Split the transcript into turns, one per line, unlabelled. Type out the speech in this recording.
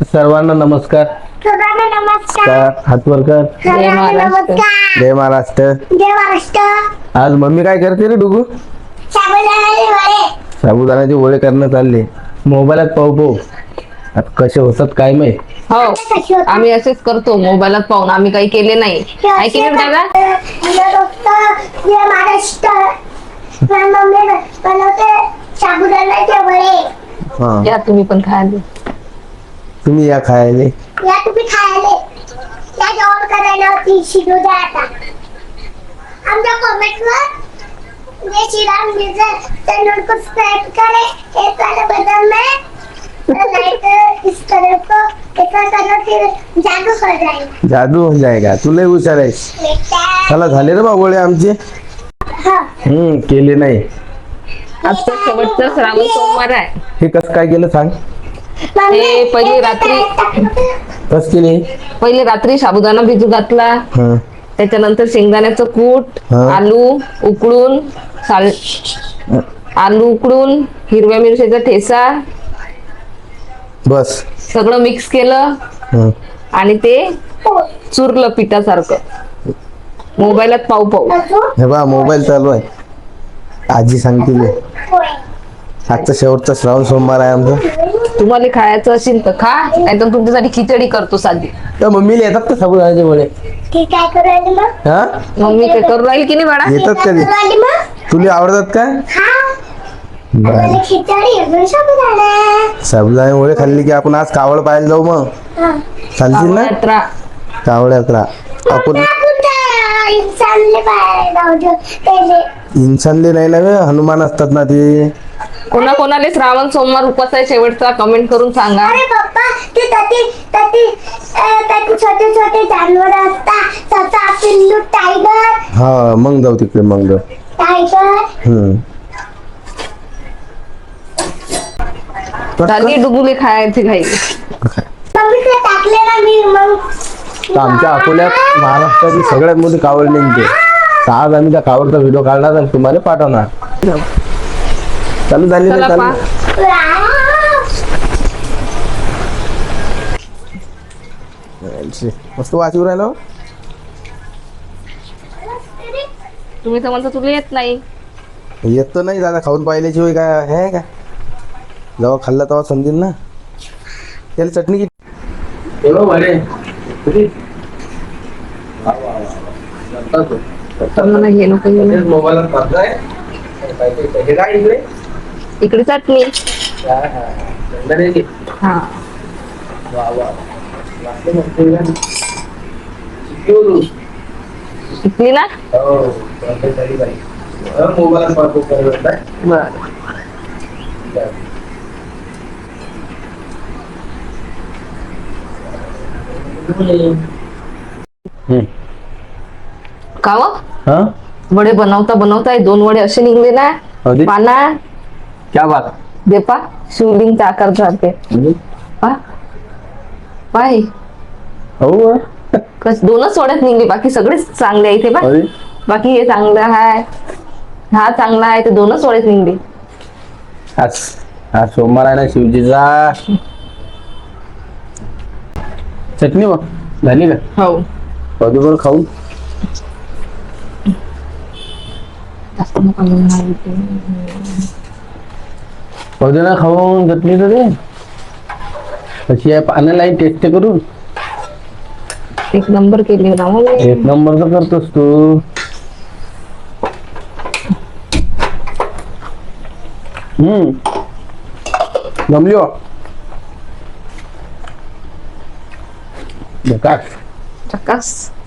सर्वांना नमस्कार.
सर्वांना नमस्कार.
हात वर कर.
सर्वांना नमस्कार.
जय महाराष्ट्र.
जय महाराष्ट्र.
आज मम्मी काय करते रे डुगू?
साबुदाण्याचे वडे.
साबुदाण्याचे वडे करणं चालले. मोबाईलात पाहू आता कसे होतात काय माहित.
हो आम्ही असेच करतो मोबाईलात पाहून. आम्ही काही केले नाही. काय केले दादा?
जय महाराष्ट्र. मम्मी बनवते साबुदाण्याचे वडे.
हा
या तुम्ही पण खायला.
तुम्ही या खायले.
या तुम्ही खायले. या जेवण करायला होती शिजू द्या आता. आमच्या कमेंटवर जय श्रीराम लिहिलं चैनल को सब्सक्राइब करें. एक वाला बटन में लाइक इस तरह को एक करना फिर जादू हो जाएगा.
जादू हो जाएगा. तुला हुशार आहेस. चला झाले रे बा गोळे आमचे. केले नाही.
आजचा शेवटचा श्रावण सोमवार आहे.
हे कसं काय केलं सांग.
हे पहिले रात्री साबुदाणा भिजू घातला.
हा
त्याच्यानंतर शेंगदाण्याचं कूट,
हा.
आलू उकडून हिरव्या मिरच्याचा ठेसा
बस.
सगळं मिक्स केलं
हा.
आणि ते चुरलं पिठासारखं. मोबाईलात पाहू
हे बा मोबाईल चालू आहे. आजी सांगते मी. आजचा शेवटचा श्रावण सोमवार आहे आमचा.
तुम्हाला खायचं असेल तर खा, नाहीतर तुमच्यासाठी खिचडी करतो साधी.
तर मम्मीला येतात का साबुदाण्याचे वडे?
ठीक आहे करू राहिली मग.
हा
मम्मी ते करू राहील की नाही बाळा?
येतात कधी?
करू राहिली मग.
तुला आवडतात का?
हा.
बरं.
मला खिचडी अजून साबुदाणा.
साबुदाणे वडे खाल्ली की आपण आज कावड पाहायला जाऊ मग.
हा.
चालतील ना?
यात्रा.
कावड यात्रा. आपण
इंसानले बाहेर जाऊ दे त्याले.
इन्सानले नाही ना ग, हनुमान असतात ना ते.
कोणाकोणाला श्रावण सोमवार उपास आहे शेवटचा कमेंट करून सांगा.
अरे पप्पा ते ताती छोटे छोटे जानवर असतात. तसा पिल्लू टायगर.
हा मग जाऊ तिकडे मग जाऊ.
टायगर.
झाली डुबुली खायची घाई.
मम्मी ते टाकले ना मी मग.
तर आमच्या अकोल्यात महाराष्ट्राची सगळ्यात मोठी कावड निघते. तर आज आम्ही त्या कावडचा व्हिडिओ काढणार आणि तुम्हाला पाठवणार. चालू झाली
चला
चालू. मस्त वाचू राहिलो.
तुम्ही तर म्हणता तुला येत नाही.
येत तर नाही दादा, खाऊन पाहिल्याची होय काय हे का. जेव्हा खाल्ला तेव्हा समजेल ना. त्याला चटणी किती.
तर मला हे नको इकडे चटणी. हा इकली ना. बर काव वडे बनवता बनवता 2 वडे असे निघले ना.
अरे.
पाना
क्या बात.
देपा शिवलिंगचा आकार झाले. पाय
हो
कस 2च वड्यात निघले, बाकी सगळेच चांगले आहे इथे. बा
अरे.
बाकी हे चांगलं आहे, हा चांगला आहे, ते 2च वड्यात निघले.
आज आज सोमवार आहे ना शिवजीचा. चटणी मग झाली का?
हो
बरोबर खाऊ. ना खाऊन चटणी तर दे. कशी आहे पाण्याला टेस्ट करून.
एक नंबर केली ना मग.
एक नंबर तर करतोस तू. जमली हो.
चक्कास.